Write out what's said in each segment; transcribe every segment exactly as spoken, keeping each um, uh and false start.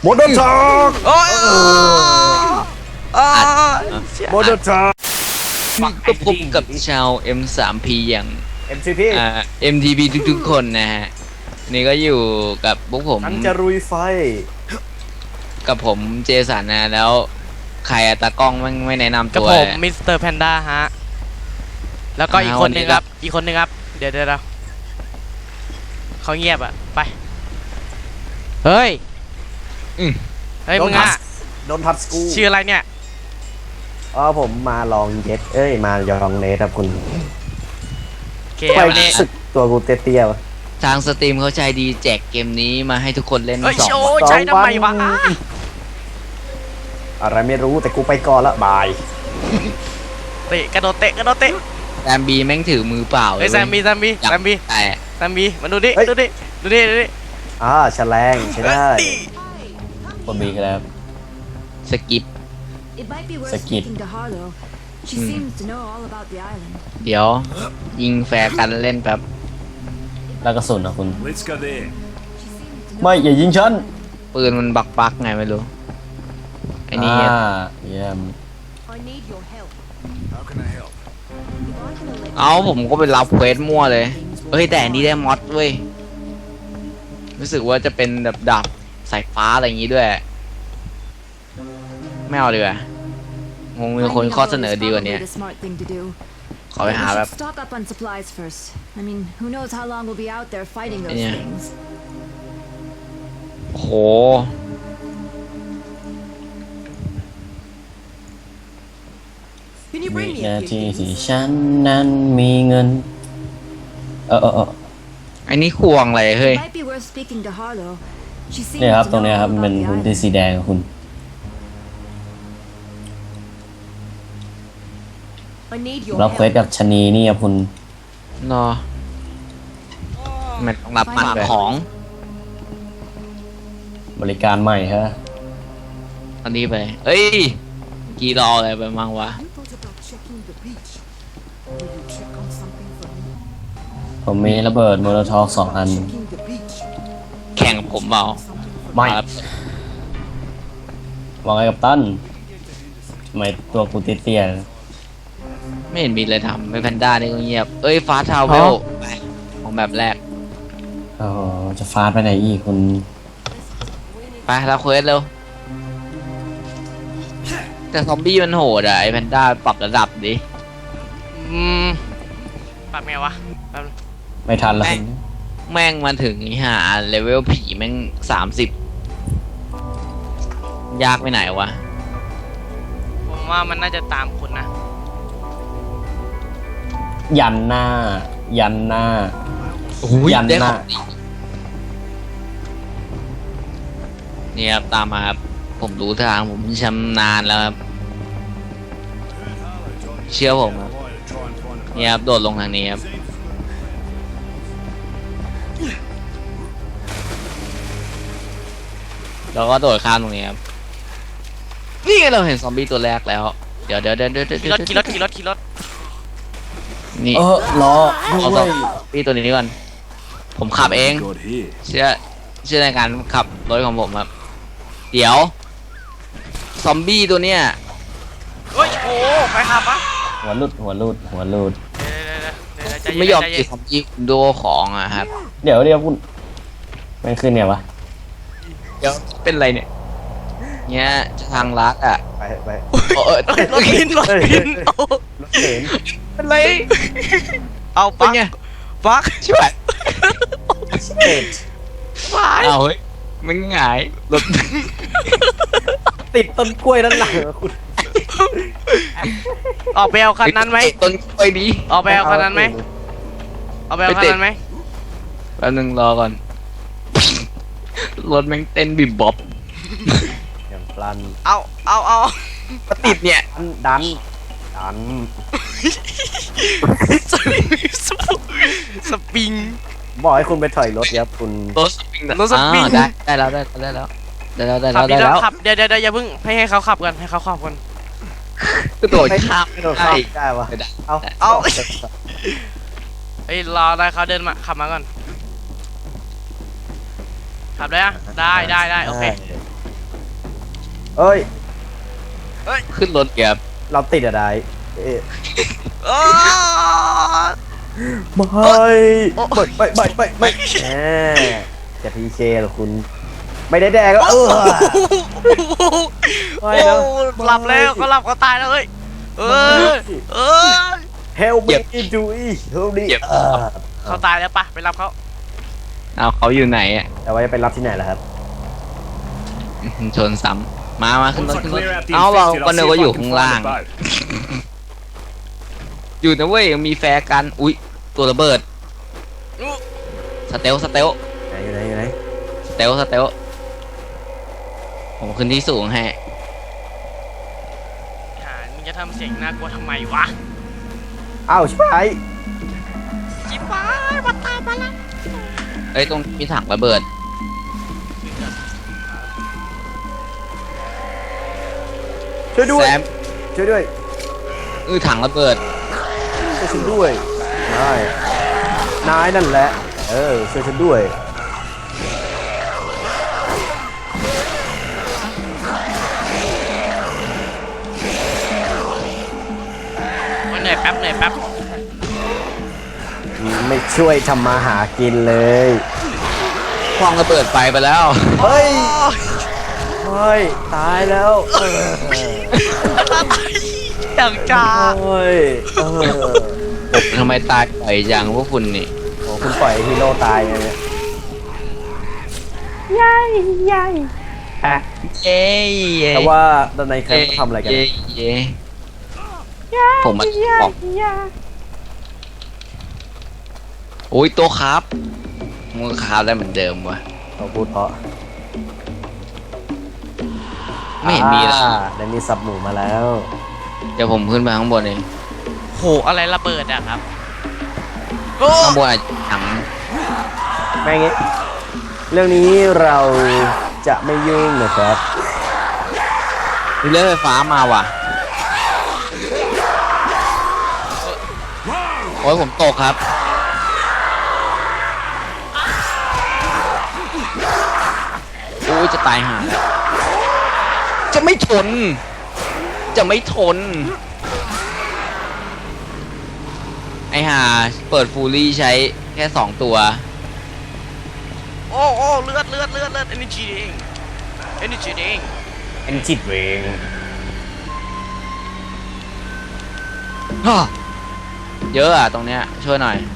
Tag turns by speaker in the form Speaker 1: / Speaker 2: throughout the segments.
Speaker 1: โมเดลช็อค
Speaker 2: โอ้ย
Speaker 1: โมเดลช็อค
Speaker 3: ก็พบกับชาว เอ็ม ทรี พี อย่าง
Speaker 1: เอ็ม ซี พี
Speaker 3: อ่า เอ็ม ที พี ทุกๆคนนะฮะนี่ก็อยู่กับพวกผม
Speaker 1: ฉันจะรุยไฟ
Speaker 3: กับผมเจสันนะแล้วใครอะตากล้องไม่ไม่แนะนำ
Speaker 2: กับ
Speaker 3: ตัว
Speaker 2: ผมมิสเตอร์แพนด้าฮะแล้วก็อีกคนนึงครับอีกคนนึงครับเดี๋ยวเดี๋ยวเขาเงียบอ่ะไปเฮ้ยเฮ้ยมึงอ่ะ
Speaker 1: โดนทัดสกู
Speaker 2: ชื่ออะไรเนี่ย
Speaker 1: อ๋อผมมาลองเย็ดเอ้ยมายองเนทครับคุณ
Speaker 2: โอเค
Speaker 1: ไป
Speaker 2: วันนี้
Speaker 1: สึกตัวกูเตี้ยๆวะ
Speaker 3: ทางสตรีมเขาใจดีแจกเกมนี้มาให้ทุกคนเล่น
Speaker 2: เฮ้ย
Speaker 3: สอง
Speaker 2: โอ้
Speaker 3: วัน
Speaker 2: ใช้ทำไมวะ
Speaker 1: อะไรไม่รู้แต่กูไปก่อนละบาย
Speaker 2: เตะกระโดดเตะกระโดดเตะ
Speaker 3: แซมบีแม่งถือมือเปล่า
Speaker 2: เฮ้ยแซมบี้แซมบี้
Speaker 3: จับ
Speaker 2: แซมบี้
Speaker 3: แต่
Speaker 2: แซมบี้มาดูดิดูดิดูดิดูดิ
Speaker 1: อ่าแฉลงใช่ได้
Speaker 4: คนบีครับ
Speaker 3: สกิป
Speaker 5: It might be worth
Speaker 4: Sakit.
Speaker 5: speaking to Harlow. She
Speaker 3: Hmm.
Speaker 5: seems to know all about the island.
Speaker 3: เดี๋ยวยิงแฟร์กันเล่นแบบ
Speaker 4: แล้วกระสุนนะคุณ
Speaker 6: Let's go there.
Speaker 5: She seems to know
Speaker 4: ไม่อย่ายิงฉัน
Speaker 3: ปืนมันบักบักไงไม่รู้ไอ้นี่
Speaker 4: อ่าเยี่ยม
Speaker 5: I need your help.
Speaker 6: How can I help?
Speaker 5: If I'm gonna let
Speaker 3: เอาผมก็ไปรับเควสมั่วเลยเฮ้ยแต่อันนี้ได้มอดเว้ยรู้สึกว่าจะเป็นแบบดาบสายฟ้าอะไรอย่างงี้ด้วยไม่เอาดีกว่างงมีคนข้อเสนอดีกว่านี้
Speaker 5: the smart thing to do.
Speaker 3: ขอไป
Speaker 5: We
Speaker 3: หา
Speaker 5: should
Speaker 3: แบบ
Speaker 5: stock up on supplies first. I mean, who knows how long we'll be out there fighting those
Speaker 3: Yeah.
Speaker 5: things.
Speaker 3: โห
Speaker 5: Can you
Speaker 4: วิ
Speaker 5: bring me
Speaker 4: นา
Speaker 5: a
Speaker 4: ที
Speaker 5: few
Speaker 4: ที่
Speaker 5: things?
Speaker 4: ฉันนั้นมีเงิน เออเออเออ
Speaker 3: ไอ้นี่ควงอะไรเฮ้ย
Speaker 5: It might be worth speaking to Harlow. She seems
Speaker 4: เนี่ยครับ
Speaker 5: to
Speaker 4: ตรง
Speaker 5: know
Speaker 4: เนี้ย
Speaker 5: all
Speaker 4: ครับ
Speaker 5: about
Speaker 4: เป็น
Speaker 5: the
Speaker 4: พื้นที่
Speaker 5: island.
Speaker 4: สีแดงของคุณ
Speaker 5: I need your
Speaker 4: รับเควส
Speaker 5: help.
Speaker 4: กับชะนีนี่ครับคุณ
Speaker 3: เนาะมันต้องรับมันของ
Speaker 4: บริการใหม่ฮะ
Speaker 3: อันนี้ไปเอ้ยกี่รออะไรไปมั่งวะ
Speaker 5: I thought about checking the beach. Will you check on something for me?
Speaker 4: ผมมีระเบิดโมโลทอฟสองอัน
Speaker 5: Checking the beach.
Speaker 3: แข่งกับผมเปล่า
Speaker 4: ไม่
Speaker 3: ครับ
Speaker 4: วางไว้กับตั้นทำไมตัวกูเตี้ยๆนะ
Speaker 3: ไม่เห็นมีเลยทำไม่แพนด้านี่ก็เงียบเอ้ยฟ้าทาวเวลของแบบแรก
Speaker 4: โอ้โหจะฟาดไปไหนอีกคุณ
Speaker 3: ไปรับเควสเร็วแต่ซอมบี้มันโหดอะไอแพนด้าปรับระดับดิ
Speaker 2: อืมปรับไงวะแป๊บนึง
Speaker 4: ไม่ทันแล้วคุณ
Speaker 3: แม่งมาถึงนี่ฮะเลเวลผีแม่งสามสิบยากไปไหนวะ
Speaker 2: ผมว่ามันน่าจะตามคุณนะ
Speaker 4: ยันหน้า ยันหน้า ยัน
Speaker 3: ได้
Speaker 4: ห
Speaker 3: ข
Speaker 4: น้า
Speaker 3: องดีนี่ครับตามมาครับผมรู้ทางผมชำนาญแล้วครับเชื่อผมครับ
Speaker 6: Why to try and find a
Speaker 3: นี่ครับโดดลงทางนี้ครับแล้วก็โดดข้ามตรงนี้ครับนี่ไงเราเห็นซอมบี้ตัวแรกแล้วเดี๋ยวเดี๋ยวเดี๋ยวเดี๋ยวเดี๋ยว
Speaker 2: ขี่รถขี่รถขี่รถขี่รถ
Speaker 3: นี่
Speaker 4: เออล้อ
Speaker 3: เอา
Speaker 4: ด้
Speaker 3: ซอ
Speaker 4: วย
Speaker 3: มบี้ตัวนี้ก่อนผมขับเอง
Speaker 6: God here.
Speaker 3: เชื่อเชื่อในการขับรถของผมครับเดี๋ยวซอมบี้ตัวเนี้ย
Speaker 2: เฮ้ยโอ้ใครขับวะ
Speaker 4: หัวหลุดหัวหลุดหัวหลุด
Speaker 2: เดี๋ยวเดี๋ยวเดี๋ยวเดี๋ยวใจเย็น
Speaker 3: ไม่ยอม
Speaker 2: ใจ
Speaker 3: ตี
Speaker 2: เย็น
Speaker 3: ซอมบี้คุณโดของอะครับ
Speaker 4: เดี๋ยวเดี๋ยวคุณไม่ขึ้นไงวะ
Speaker 3: เดี๋ยวเป็นไรเนี่ยเนี้ยจะทางลัดอ่ะ
Speaker 1: ไปไป
Speaker 3: เออเออ
Speaker 2: รถพินรถพินเอา
Speaker 1: รถเข็น
Speaker 3: เป็นไร
Speaker 2: เอา
Speaker 3: เป็น
Speaker 2: ปัก
Speaker 3: ไง
Speaker 2: ปัก
Speaker 3: ช่วย
Speaker 1: เอ็ด
Speaker 2: วาย
Speaker 3: เอาเฮ้ยมันหงายรถ
Speaker 1: ติดต้นกล้วยด้านหลังอะคุณ
Speaker 2: ออกไปเอาคันนั้นไหม
Speaker 3: ต้นกล้วยดี
Speaker 2: ออกไปเอาคันนั้นไหมออกไปเอาคันนั้นไหม
Speaker 3: แป๊บนึงรอก่อนรถแม่งเต้นบิบบ๊อบ
Speaker 1: อย่างพลัน
Speaker 2: เอาเอาเอา
Speaker 3: ก็ติดเนี่ย
Speaker 1: ดันดัน
Speaker 2: สปริง
Speaker 1: บอกให้คุณไปถอยรถครับคุณ
Speaker 3: รถสปริง
Speaker 2: รถสปริง
Speaker 3: อ่าได้ได้แล้วได้ได้แล้วได้แล้วได้
Speaker 2: ขั
Speaker 3: แล้
Speaker 2: บ
Speaker 3: ว
Speaker 2: ดี
Speaker 3: ได้
Speaker 2: แล้
Speaker 3: แล้ว ว
Speaker 2: ขับเดี๋ยวเดี๋ยวเดี๋ยวอย่าเพิ่งให้ให้เขาขับกันให้เขาขับกัน
Speaker 3: กระโดดข้าม
Speaker 1: ไม่โดนเข้าได้วะ
Speaker 3: ไม่ได้
Speaker 1: เอา
Speaker 2: เอา เฮ้ยรอได้เขาเดินมาขับมาก่อนขับได้อะได้ได้ได้โอเค
Speaker 1: เอ้ย
Speaker 3: ขึ้นรถเกียบ
Speaker 1: เราติดอะไรเอ๊ะ
Speaker 2: โอ้
Speaker 1: ไม่ไม่ไม่ไม่ไม่แหมจะพีเคเหรอคุณ ไม่ได้แดกก็เออ ไม่นะ
Speaker 2: หลับแล้วเขาหลับเขาตายแล้วเฮ้ยเออเออ
Speaker 1: Help me do it Help me เออ
Speaker 2: เขาตายแล้วปะไปรับเขา
Speaker 3: เอาเขาอยู่ไหนอ่ะ
Speaker 1: แต่ว่าจะไปรับที่ไหนล่ะครับ
Speaker 3: ชนซ้ำมามาขึ้นรถ
Speaker 6: Once I
Speaker 3: ขึ้นรถ
Speaker 6: clear out the
Speaker 3: เอาเรา
Speaker 6: infected,
Speaker 3: ก็
Speaker 6: I'll
Speaker 3: นึ
Speaker 6: see
Speaker 3: กว่า
Speaker 6: if
Speaker 3: อยู่
Speaker 6: I
Speaker 3: ข้าง
Speaker 6: can
Speaker 3: ล่าง
Speaker 6: find the boat.
Speaker 3: อยู่นะเว้ยยังมีแฟร์กัน อุ๊ย ตัวระเบิด สเตลสเตล
Speaker 1: ไหนอยู่ไหนอยู่ไหน
Speaker 3: สเตลสเตลผมขึ้นที่สูงให้
Speaker 2: หามึงจะทำเสียงน่ากลัวทำไมวะ
Speaker 1: อ้าวชิบหาย
Speaker 2: จิ๊บไปมาตามมาละ
Speaker 3: เอ้ยตรงมีถังระเบิด
Speaker 1: ช่วยด้วย
Speaker 3: แซม
Speaker 1: ช่วยด้วย
Speaker 3: เออถังระเบิด
Speaker 1: ช่วยฉันด้วยนายนายนั่นแหละ เออช่วยฉันด้วย
Speaker 2: เหนื่อยแป๊บเหนื่อยแป๊บ
Speaker 1: ไม่ช่วยทำมาหากินเลย
Speaker 3: คว้างระเบิดไฟไปแล้ว
Speaker 1: เฮ้ย เฮ้ย ตายแล้วเออ
Speaker 2: อย่างจ้า
Speaker 1: เฮ้ยเออ
Speaker 3: ทำไมตายปล่อยจังพวกคุณนี่
Speaker 1: โอ้คุณปล่อยให้ฮีโร่ตายไงเนี่ย
Speaker 3: เย้เย้
Speaker 1: แต่ว่าด้านในแคมป์เขาทำอะไรกัน
Speaker 3: เย้เย้ผมมาบอกโอ้ยตัวครับมือครับได้เหมือนเดิมวะ
Speaker 1: เขาพูดเพราะ
Speaker 3: ไม่เห็นมีเลย
Speaker 1: อ่าได้มีสับหมูมาแล้ว
Speaker 3: เดี๋ยวผมขึ้นไปข้างบนเอง
Speaker 2: โหอะไรระเบิดอะครับ
Speaker 3: ข้างบนอาจจะถัง
Speaker 1: แม่งงี้เรื่องนี้เราจะไม่ยุ่งนะครับ
Speaker 3: มีเลื่อยไฟฟ้ามาว่ะโอ้ยผมตกครับโอ้ยจะตายห่าแล้วจะไม่ทน จะไม่ทน ไอห่าเปิดฟูลี่ใช้แค่สองตัว
Speaker 2: โอ้โอ้เลือดเลือดเลือดเลือด energy เอง energy เอง
Speaker 1: เป็นจิตเวง
Speaker 3: เยอะอ่ะตรงเนี้ยช่วยหน่อย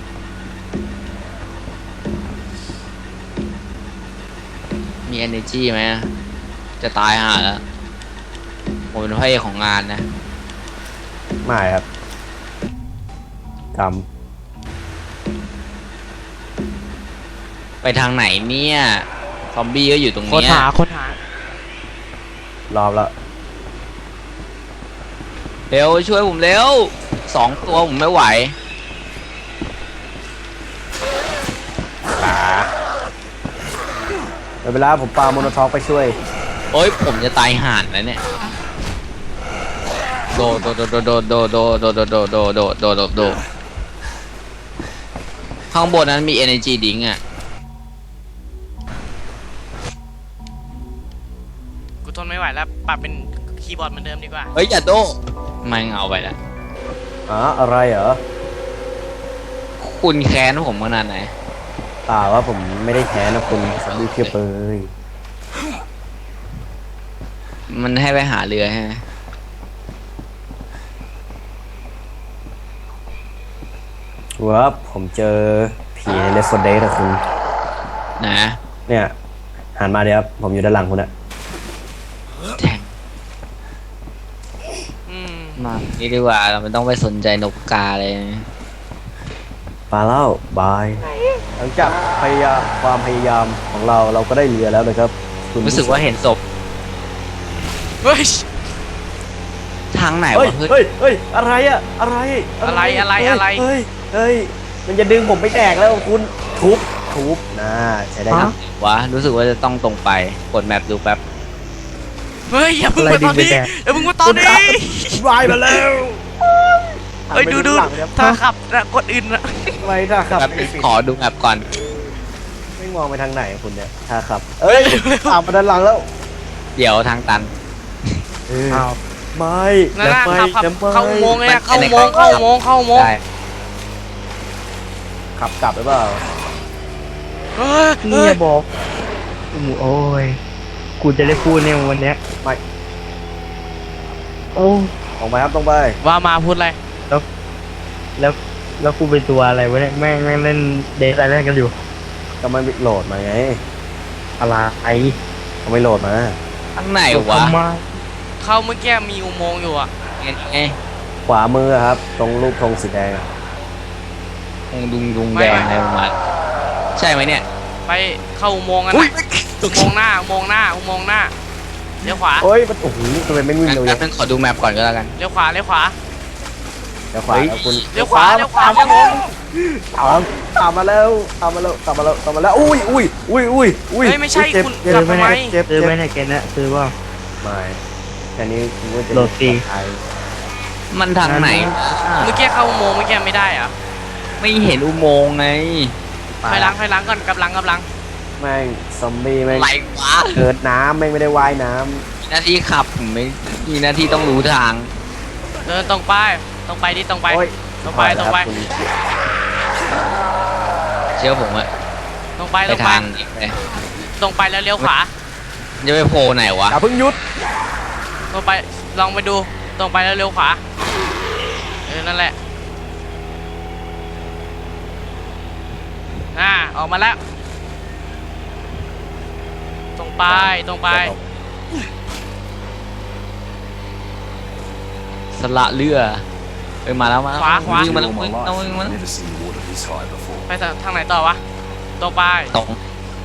Speaker 3: มี energy ไหมจะตายห่าแล้ว ผมเป็นพระเอกของงานนะ
Speaker 1: ไม่ครับกรรม
Speaker 3: ไปทางไหนเนี่ย ซอมบี้ก็อยู่ตรง
Speaker 2: ค้น
Speaker 3: เนี้ย
Speaker 2: หาค้นหาร
Speaker 1: อบแล้ว
Speaker 3: เร็วช่วยผมเร็วสองตัวผมไม่ไหว
Speaker 1: เดี๋ยวเวลาผมปาโมโนท็อกไปช่วย
Speaker 3: โอ้ยผมจะตายห่านแล้วเนี่ย โดโดโดโดโดโดโดโดโดโดโดโดโดโดข้างบนนั้นมี energy drink อ่ะ
Speaker 2: กูทนไม่ไหวแล้วปรับเป็นคีย์บอร์ดเหมือนเดิมดีกว่า
Speaker 3: เฮ้ยอย่าโดไม่เอาไปละ
Speaker 1: อ๋อ อะไรเหรอ
Speaker 3: คุณแค้นผมขนาดไหน
Speaker 1: เปล่าว่าผมไม่ได้แค้นนะคุณสำลีเพียบเลย
Speaker 3: มันให้ไปหาเรือใช่ไหม
Speaker 1: ว้าผมเจอผีในเลฟโฟเดสอะคุณ
Speaker 3: นะ
Speaker 1: เนี่ยหันมาเดี๋ยวครับผมอยู่ด้านหลังคุณอะ
Speaker 3: แทง
Speaker 2: อืม
Speaker 3: มานี่ดีกว่าเราไม่ต้องไปสนใจนกกาเลย
Speaker 1: ปาเล่าบาย หลังจากพยายามความพยายามของเราเราก็ได้เรือแล้วนะครับคุณ
Speaker 3: รู้สึกว่าเห็นศพ
Speaker 2: เฮ้ย
Speaker 3: ทางไหน
Speaker 1: เฮ้ยว
Speaker 3: ะเฮ้ย
Speaker 1: เฮ้ยเฮ้ยอะไรอะอะไร
Speaker 2: อะไรอะไรอะไร
Speaker 1: เฮ้ยเฮ้ยมันจะดึงผมไปแตกแล้วคุณทุบทุบนะใช้ได้ครับ
Speaker 3: วะรู้สึกว่าจะต้องตรงไปกดแมปดูแป๊บ
Speaker 2: เฮ้ยอย่าเพิ่งมาตอนนี้อย่าเพิ่งมาตอนนี้
Speaker 1: วายมาแล้ว
Speaker 2: เฮ้ยดูดูถ้าขับนะกดอื่นนะ
Speaker 1: ทำไมถ้าขับ
Speaker 3: แป๊บ
Speaker 1: ไม่ปิด
Speaker 3: ขอดูแมปก่อน
Speaker 1: ไม่มองไปทางไหนคุณเนี่ยถ้าขับ เอ้ยตามมาด้านหลังแล้ว
Speaker 3: เดี๋ยวทางตัน
Speaker 1: เออ
Speaker 4: อ้าว
Speaker 1: ไม่
Speaker 2: นั่นน่ะ
Speaker 1: อย่า
Speaker 2: ขับขับ
Speaker 1: ไปอย่าไป
Speaker 2: เข้าอุโมงค์เลยนะ
Speaker 3: มัน
Speaker 2: เข้าอุโมงค์
Speaker 3: ไปไหน
Speaker 2: เข้าอุโมงค์เข้าอุโมงค์
Speaker 3: ได้
Speaker 1: ขับกลับหรือเปล่า
Speaker 2: เฮ้ย
Speaker 4: นี่
Speaker 2: เฮ้
Speaker 4: อย ย่าบอกโอ้ยกูจะได้พูดเนี่ยวันเนี้ย
Speaker 1: ไม่
Speaker 4: โอ้
Speaker 1: ตรงไปครับตรงไป
Speaker 2: ว่ามาพูดอะไร
Speaker 4: แล้วแล้วกูเป็นตัวอะไรวะเนี่ยแม่งแม่งเล่นเดทอะไรกันอยู่
Speaker 1: ก็ไม่โหลดมาไง
Speaker 4: อะไรไอ้
Speaker 1: ก็ไม่โหลดมา
Speaker 3: ข้างไหนวะ
Speaker 4: ทำไม
Speaker 2: เข้าเมื่อกี้มีอุโมงค์อยู่อ่ะ
Speaker 3: ไงไง
Speaker 1: ขวามือครับ ตรงรูปธงสีแดงอะ
Speaker 3: คงดุงดุงแดงอะไรประมาณใช่ไหมเนี่ย
Speaker 2: ไปเข้าอุโมงค์กันนะอุโมงค์หน้าอุโมงค์หน้าอุโมงค์หน้าเลี้ยวขวา
Speaker 1: โอ้ยมันโอ้โหทำไมไม่วิ่ง
Speaker 3: งั้น
Speaker 1: เร็ว
Speaker 3: งั้
Speaker 1: จั
Speaker 3: น
Speaker 1: ง
Speaker 3: ขอดูแมปก่อนก็แล้วกัน
Speaker 2: เลี้ยวขวาเลี้ยวขวา
Speaker 1: เดี๋ยวขวาแล้วคุณ
Speaker 2: เลี้ยวขวาเลี้ยวขวาครับผม
Speaker 1: ตามตามมาแล้วตามมาแล้วตามมาแล้วตามมาแล้วอุ้ยอุ้ยอุ้ยอุ้ยอุ้ย
Speaker 2: เฮ้ยไม่ใช่
Speaker 1: เจ็บ
Speaker 2: คุณ
Speaker 1: เจ็บ
Speaker 2: กลับมาไหม
Speaker 1: เจ็บ
Speaker 4: ซื้
Speaker 1: เจ็
Speaker 4: อบ ไหมเนี่ยเกมเนี้ยซื้อว่า
Speaker 1: ไม่แค่นี้คุณก็จะ
Speaker 4: โหลดฟรี
Speaker 1: ไอ
Speaker 3: มันทางไหน
Speaker 2: เมื่อกี้เข้าอุโมงค์เมื่อกี้ไม่ได้เหรอะ
Speaker 3: ไม่เห็นอุโมงค์ไง
Speaker 2: ถอยหลังถอยหลังก่อนกำลังกำลัง
Speaker 1: แม่งซอมบี้แม่ง
Speaker 3: ไหลวะ
Speaker 1: เกิดน้ำแม่งไม่ได้ว่ายน้
Speaker 3: มีหน้าที่ขับผมไม่มีหน้าที่ต้องรู้ทาง
Speaker 2: เดินตรงไปตรงไปดิตรงไป
Speaker 1: ำโอ้ย
Speaker 2: ตรงไปตรงไป
Speaker 1: คุณ
Speaker 3: เชื่อผมอะ
Speaker 2: ตรงไป
Speaker 3: ไป
Speaker 2: ตรงไป
Speaker 3: ทางนี้เลย
Speaker 2: ตรงไปแล้วเลี้ยวขวา
Speaker 3: จะไปโผล่ไหนวะ
Speaker 1: อย่าเพิ่งหยุด
Speaker 2: ตรงไปลองไปดูตรงไปแล้วเลี้ยวขวาเออนั่นแหละอ่าออกมาแล้วตรงไปตรงไป
Speaker 3: สละเรือเอ้ยมาแล้วมาแล้ว
Speaker 2: ขวาขวา
Speaker 3: วิ่งมาแล้ว
Speaker 6: All my
Speaker 3: วิ่ง
Speaker 6: life,
Speaker 3: เอาวิ่งมาแล้ว
Speaker 6: never seen water this high before.
Speaker 2: ไปทางไหนต่อวะตรงไป
Speaker 3: ตรง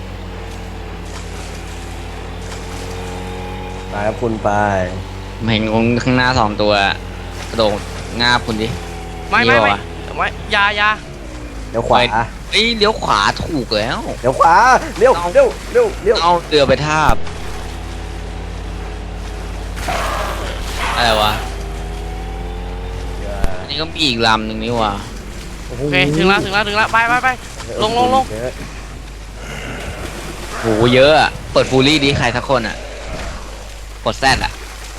Speaker 1: ไปครับคุณไป
Speaker 3: เห็นคนข้างหน้าสองตัวกระโดดงาบคุณดิ
Speaker 2: ไม่ไม่
Speaker 3: นี่
Speaker 2: ไม่
Speaker 3: วะ
Speaker 2: ไม่อยาอยา
Speaker 1: เดี๋ยวขวา
Speaker 3: เอ้ยเลี้ยวขวาถูกแล้ว
Speaker 1: เดี๋ยวขวาเร็วเร็วเร็วเร็ว
Speaker 3: เอาเรือไปทาบอะไรวะอันนี้ก็มีอีกลำหนึ่งนี่ว่ะ
Speaker 2: โอเคถึงแล้วถึงแล้วถึงแล้วไปไปไปลงลงลง
Speaker 1: เดี๋ยว
Speaker 3: โหเยอะอะเปิดฟูลี่ดิใครสักคนอะกดแซดอะ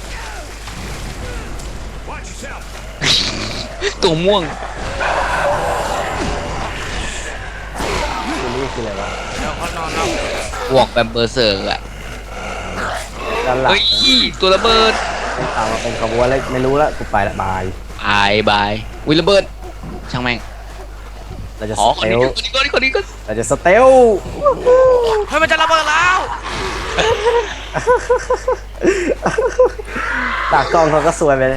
Speaker 6: Watch yourself.
Speaker 3: ตัวม่วง
Speaker 1: คุณนี่คืออะไรวะ
Speaker 2: เดี๋ยวก็นอนแล้ว
Speaker 3: บวกแบบเบอร์เซอร์อะ
Speaker 1: ด้านหลัง
Speaker 3: เฮ้ยตัวระเบิด
Speaker 1: ตามมาเป็นขบวนเลยไม่รู้ละกูไปละบาย
Speaker 3: บายบายวิระเบิดช่างแม่ง
Speaker 1: เราจะ
Speaker 3: อ๋
Speaker 1: ส
Speaker 3: อคน
Speaker 1: เต
Speaker 3: นี้
Speaker 1: ล
Speaker 3: คนนี้คนนี้คนนี้ก็
Speaker 1: เราจะสเตล
Speaker 2: เฮ้ยมันจะระเบิดแล้ว
Speaker 1: ตากล้องเขาก็สวยไปเลย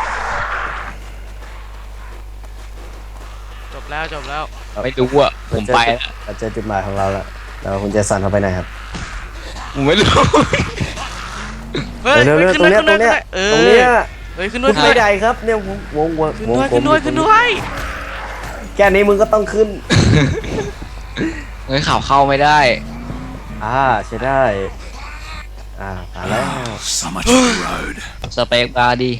Speaker 2: จบแล้วจบแล้ว
Speaker 3: ไม่รู้อะผมไปละ
Speaker 1: เราเจอจุดหมายของเราแล้วแล้วคุณเจสันเขาไปไหนครับ
Speaker 3: ผมไม่รู้
Speaker 2: เฮ้ย
Speaker 1: เร็ว
Speaker 2: เฮ้ย
Speaker 1: เร็ว
Speaker 2: ขึ้น
Speaker 1: ตรง
Speaker 2: ด้วย
Speaker 1: เนี้ย
Speaker 2: ขึ้น
Speaker 1: ต
Speaker 2: ด้
Speaker 1: ร
Speaker 2: วย
Speaker 1: งเนี้ย
Speaker 2: เฮ้ย
Speaker 1: ตรง
Speaker 2: ขึ้น
Speaker 1: เนี้
Speaker 2: ด้วย ยขึ้นด้วย
Speaker 1: ไม่ได้ครับเนี่ยวงวงวง
Speaker 2: ขึ้น
Speaker 1: วง
Speaker 2: ด้วย
Speaker 1: กล
Speaker 2: ขึ้
Speaker 1: ม
Speaker 2: นด้วยขึ้นด้วย
Speaker 1: แค่นี้มึงก็ต้องขึ้น
Speaker 3: เฮ้ยข่าวเข้าไม่ได้
Speaker 1: อ่าใช่ได้อ่ามาแล้ว
Speaker 6: So much of the road.
Speaker 3: สเปคบาร์ดี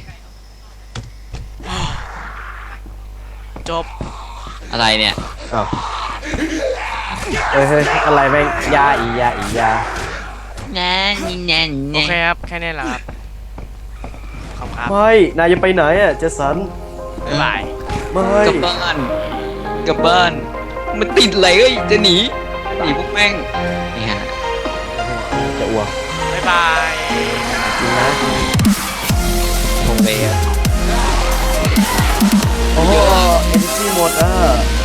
Speaker 2: จบ
Speaker 3: อะไรเนี่ย
Speaker 1: อ้าวเฮ้ยเฮ้ยอะไรแม่งยาอียาอียา
Speaker 3: แน่นี่แน่
Speaker 2: โอเคครับแค่นี้แหละครับขอบคุณครับ
Speaker 1: ไม่นายจะไปไหนอ่ะเจสัน
Speaker 2: บ๊ายบาย
Speaker 1: ไม่
Speaker 3: กลับบ้านกลับบ้าน มันติดอะไรเอ้ยจะหนีหนีพวกแม่งนี่ฮะ
Speaker 1: จะอ้วก
Speaker 2: บ๊ายบาย
Speaker 1: จริงนะ
Speaker 3: คงเลยอะ
Speaker 1: โอ้เอเนจีหมดอ่ะ